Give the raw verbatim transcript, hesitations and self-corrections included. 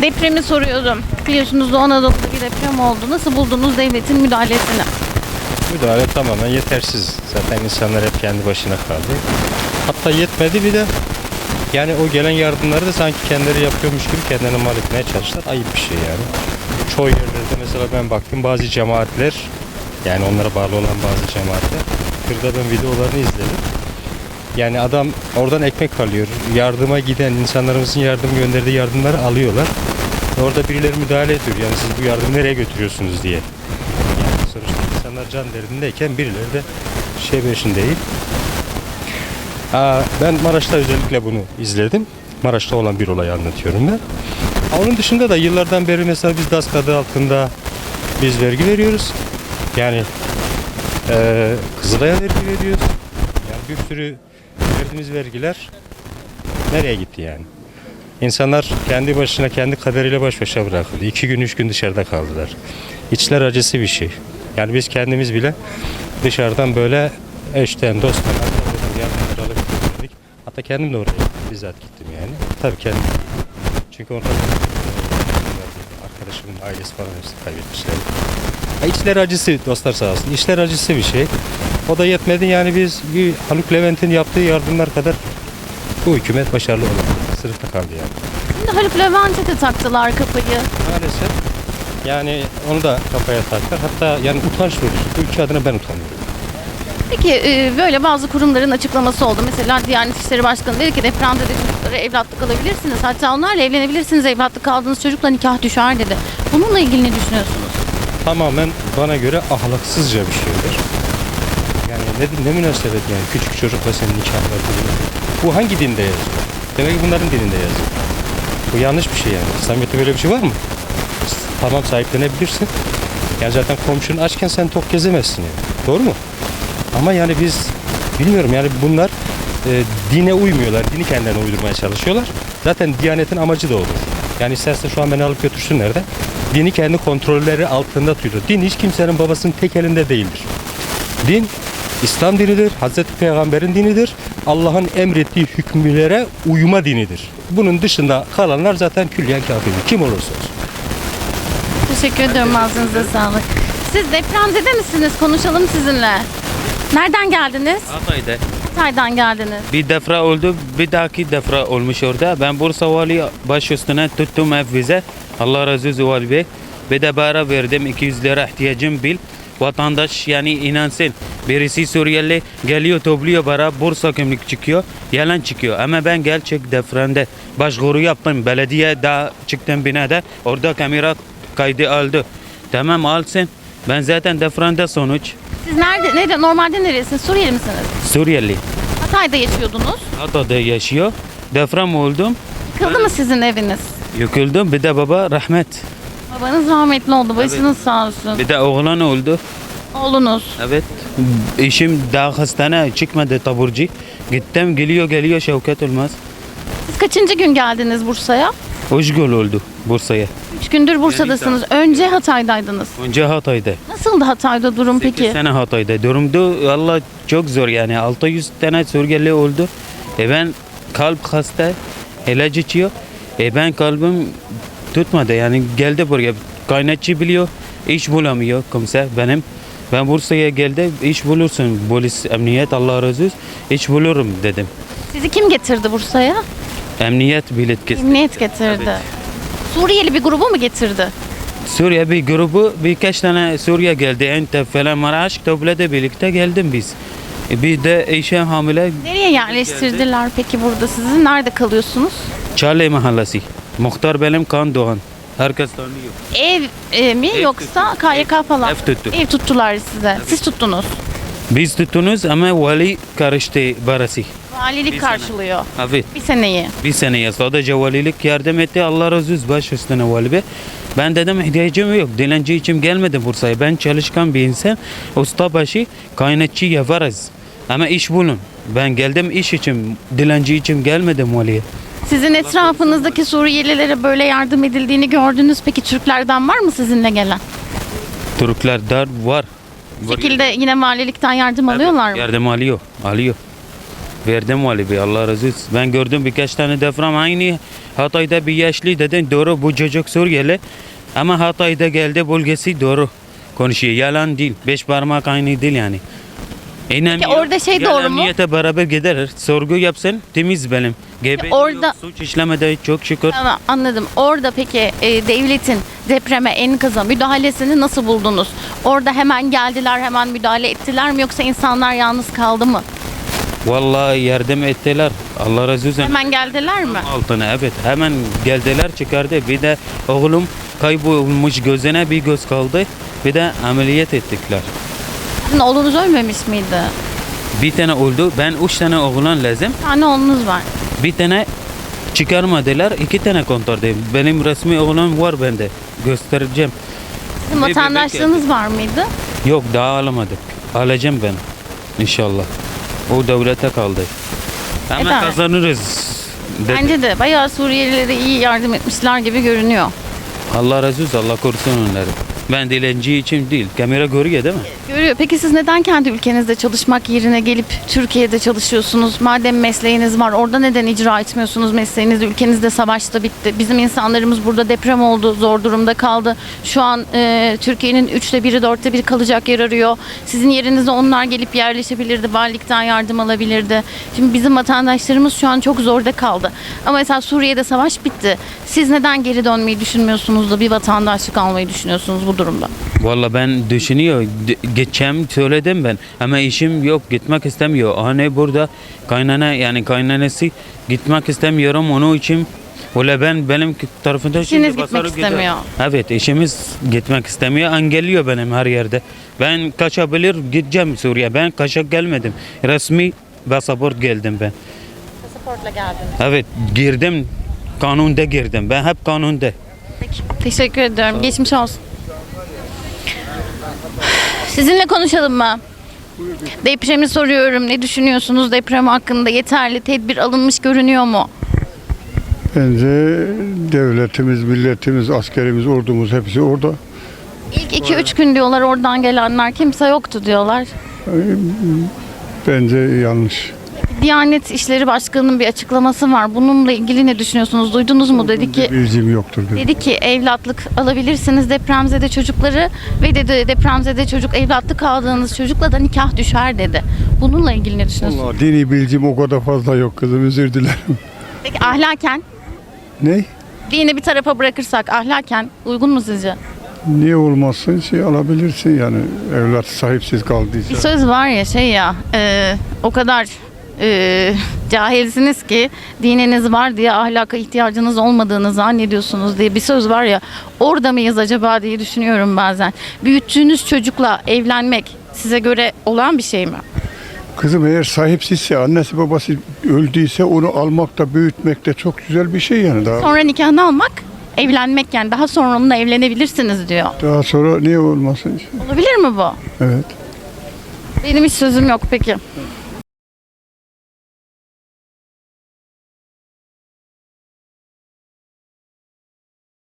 Depremi soruyorum. Biliyorsunuz Doğu Anadolu'da bir deprem oldu. Nasıl buldunuz devletin müdahalesini? Müdahale tamamen yetersiz. Zaten insanlar hep kendi başına kaldı. Hatta yetmedi bir de yani o gelen yardımları da sanki kendileri yapıyormuş gibi kendilerine mal etmeye çalıştılar. Ayıp bir şey yani. Çoğu yerlerde mesela ben baktım bazı cemaatler, yani onlara bağlı olan bazı cemaatler, kırda ben videolarını izledim. Yani adam oradan ekmek alıyor. Yardıma giden insanlarımızın yardım gönderdiği yardımları alıyorlar. Orada birileri müdahale ediyor. Yani siz bu yardımı nereye götürüyorsunuz diye. Yani sonuçta insanlar can derdindeyken birileri de şey peşin değil. Aa, ben Maraş'ta özellikle bunu izledim. Maraş'ta olan bir olayı anlatıyorum ben. Onun dışında da yıllardan beri mesela biz DASK adı altında biz vergi veriyoruz. Yani e, Kızılay'a vergi veriyoruz. Yani bir sürü verdiğimiz vergiler nereye gitti yani? İnsanlar kendi başına, kendi kaderiyle baş başa bırakıldı. İki gün, üç gün dışarıda kaldılar. İçler acısı bir şey. Yani biz kendimiz bile dışarıdan böyle eşten, dosttan, arkadaşlardan yardımlar alıp gönderdik. Hatta kendim de oraya bizzat gittim yani. Tabii kendim. Çünkü orada arkadaşımın ailesi falan hepsi kaybetmişler. Ya içler acısı dostlar sağ olsun. İçler acısı bir şey. O da yetmedi yani biz bir Haluk Levent'in yaptığı yardımlar kadar bu hükümet başarılı olamadı. Sınıfta kaldı yani. Şimdi Haluk Levent'e de taktılar kafayı. Maalesef. Yani onu da kafaya taktılar. Hatta yani utanç verici. Bu ülke adına ben utanıyorum. Peki e, böyle bazı kurumların açıklaması oldu. Mesela Diyanet İşleri Başkanı dedi ki depremde de çocuklara evlatlık alabilirsiniz. Hatta onlarla evlenebilirsiniz. Evlatlık aldığınız çocukla nikah düşer dedi. Bununla ilgili ne düşünüyorsunuz? Tamamen bana göre ahlaksızca bir şeydir. Yani ne, ne münasebet yani küçük çocukla senin nikahın var. Bu hangi dinde yazıyor? Demek ki bunların dilinde yazıyor. Bu yanlış bir şey yani. İslamiyet'te böyle bir şey var mı? Tamam sahiplenebilirsin. Yani zaten komşun açken sen tok gezemezsin yani. Doğru mu? Ama yani biz bilmiyorum yani bunlar e, dine uymuyorlar. Dini kendilerine uydurmaya çalışıyorlar. Zaten Diyanet'in amacı da olur. Yani isterse şu an beni alıp götürsünler de dini kendi kontrolleri altında tutuyor. Din hiç kimsenin babasının tek elinde değildir. Din İslam dinidir. Hazreti Peygamber'in dinidir. Allah'ın emrettiği hükümlere uyma dinidir. Bunun dışında kalanlar zaten külliyen kafirdir. Kim olursa olsun. Teşekkür ediyorum. Ağzınıza sağlık. Siz depremzede misiniz? Konuşalım sizinle. Nereden geldiniz? Hatay'da. Hatay'dan geldiniz. Bir defra oldu, bir dahaki defra olmuş orada. Ben Bursa Vali baş üstüne tuttum ev vize. Allah razı olsun Vali Bey. Bir de para verdim, iki yüz lira ihtiyacım bil. Vatandaş yani inansın. Birisi Suriyeli geliyor topluyor para, Bursa kimlik çıkıyor, yalan çıkıyor. Ama ben gerçek depremde başvuru yaptım. Belediye daha çıktım binada, orada kamera kaydı aldı. Tamam alsın. Ben zaten depremde sonuç. Siz nerede, nerede normalde neresiniz? Suriyeli misiniz? Suriyeli. Hatay'da yaşıyordunuz. Hatay'da yaşıyor. Deprem oldum. Yıkıldı mı sizin eviniz? Yıkıldım. Bir de baba rahmet. Babanız rahmetli oldu. Başınız sağ olsun. Bir de oğlan oldu. Oğlunuz. Evet. Eşim daha hastane çıkmadı taburcu. Gittim geliyor geliyor Şevket Olmaz. Siz kaçıncı gün geldiniz Bursa'ya? Üç gün oldu Bursa'ya. Üç gündür Bursa'dasınız. Önce Hatay'daydınız. Önce Hatay'da. Nasıldı Hatay'da durum sekiz peki? sene Hatay'da. Durumdu valla çok zor yani. altı yüz tane Suriyeli oldu. E ben kalp hasta. İlaç içiyor. E ben kalbim tutmadı yani geldi buraya. Kaynakçı biliyor. İş bulamıyor kimse benim. Ben Bursa'ya geldim. İş bulursun. Polis, emniyet Allah razı olsun. İş bulurum dedim. Sizi kim getirdi Bursa'ya? Emniyet bilet kesti. Emniyet getirdi. Evet. Suriyeli bir grubu mu getirdi? Suriye bir grubu birkaç tane Suriye geldi. Entep falan Maraş topladı birlikte geldim biz. E Bir de eşim hamile Nereye yerleştirdiler peki burada sizi? Nerede kalıyorsunuz? Çağlayan Mahallesi. Muhtar benim Kan Doğan. Herkes tanıyor. Ev e, mi Ev yoksa tuttu. K Y K falan? Ev tuttu. Ev tuttular size. Siz tuttunuz. Biz tutunuz ama vali karıştı barası. Valilik Bir sene. karşılıyor. Evet. Bir seneyi. Bir seneye sadece valilik yardım etti. Allah razı olsun baş üstüne vali bey. Ben dedim ihtiyacım yok. Dilenci için gelmedim Bursa'ya. Ben çalışkan bir insan. Ustabaşı kaynakçı yaparız. Ama iş bulun. Ben geldim iş için. Dilenci için gelmedim valiye. Sizin etrafınızdaki Suriyelilere böyle yardım edildiğini gördünüz. Peki Türklerden var mı sizinle gelen? Türkler dar var. Bu şekilde yine valilikten yardım alıyorlar mı? Yardım alıyor. Alıyor. Verdim vali bey Allah razı olsun. Ben gördüm birkaç tane deprem aynı Hatay'da bir yaşlı dedin doğru bu çocuk Suriyeli. Ama Hatay'da geldi bölgesi doğru konuşuyor. Yalan değil. Beş parmak aynı değil yani. İnanmıyor. orada şey Yalan doğru mu? niyete beraber gider. Sorgu yapsın temiz benim. Gebe orada- yok, suç işlemedi çok şükür. Tamam, anladım. Orada peki e, devletin depreme, enkaza müdahalesini nasıl buldunuz? Orada hemen geldiler, hemen müdahale ettiler mi, yoksa insanlar yalnız kaldı mı? Vallahi yardım ettiler. Allah razı olsun. Hemen geldiler mi? Altına evet hemen geldiler çıkardı. Bir de oğlum kaybolmuş gözüne bir göz kaldı. Bir de ameliyat ettikler. Sizin oğlunuz ölmemiş miydi? Bir tane oldu. Ben üç tane oğlan lazım. Bir tane oğlunuz var. Bir tane çıkarmadılar. iki tane kontardı. Benim resmi oğlan var bende. Göstereceğim. Sizin Bir bebek vatandaşlığınız var mıydı? Yok daha alamadık. Alacağım ben. İnşallah. O devlete kaldı. Ama Eder. kazanırız. dedi. Bence de bayağı Suriyelilere iyi yardım etmişler gibi görünüyor. Allah razı olsun. Allah korusun onları. Ben dilenci için değil. Kamera görüyor değil mi? Görüyor. Peki siz neden kendi ülkenizde çalışmak yerine gelip Türkiye'de çalışıyorsunuz? Madem mesleğiniz var, orada neden icra etmiyorsunuz mesleğinizi? Ülkenizde savaş da bitti. Bizim insanlarımız burada deprem oldu, zor durumda kaldı. Şu an e, Türkiye'nin üçte biri, dörtte biri kalacak yer arıyor. Sizin yerinize onlar gelip yerleşebilirdi, valilikten yardım alabilirdi. Şimdi bizim vatandaşlarımız şu an çok zorda kaldı. Ama mesela Suriye'de savaş bitti. Siz neden geri dönmeyi düşünmüyorsunuz da bir vatandaşlık almayı düşünüyorsunuz bu durumda? Valla ben düşünüyor. D- Geçeceğim söyledim ben. Ama işim yok. Gitmek istemiyor. Hani burada kaynana yani kaynanası gitmek istemiyorum. Onun için Valla ben benim tarafında İşiniz şimdi gitmek basarı gider. istemiyor. Evet eşimiz gitmek istemiyor. Engelliyor benim her yerde. Ben kaçabilir gideceğim Suriye. Ben kaçak gelmedim. Resmi pasaport geldim ben. Pasaportla geldiniz. Evet girdim. Kanunda girdim. Ben hep kanunda. Peki, teşekkür ediyorum. Geçmiş olsun. Sizinle konuşalım mı? Depremi soruyorum. Ne düşünüyorsunuz deprem hakkında? Yeterli tedbir alınmış görünüyor mu? Bence devletimiz, milletimiz, askerimiz, ordumuz hepsi orada. İlk iki üç gün diyorlar oradan gelenler kimse yoktu diyorlar. Bence yanlış. Diyanet İşleri Başkanı'nın bir açıklaması var. Bununla ilgili ne düşünüyorsunuz? Duydunuz mu? Dedi ki Bilgim yoktur. benim. dedi ki evlatlık alabilirsiniz depremzede çocukları ve dedi depremzede çocuk evlatlık aldığınız çocukla da nikah düşer dedi. Bununla ilgili ne düşünüyorsunuz? Vallahi dini bilgim o kadar fazla yok kızım, özür dilerim. Peki ahlaken Ne? dini bir tarafa bırakırsak ahlaken uygun mu sizce? Niye olmazsın şey alabilirsin yani evlat sahipsiz kaldıysa. Bir söz var ya şey ya e, o kadar e, cahilsiniz ki dininiz var diye ahlaka ihtiyacınız olmadığını zannediyorsunuz diye bir söz var ya, orada mıyız acaba diye düşünüyorum bazen. Büyüttüğünüz çocukla evlenmek size göre olan bir şey mi? Kızım eğer sahipsizse, annesi babası öldüyse onu almak da büyütmek de çok güzel bir şey yani. Daha, Sonra nikahını almak evlenmek, yani daha sonra onunla evlenebilirsiniz diyor. daha sonra niye olmasın? Olabilir mi bu? Evet. Benim hiç sözüm yok peki.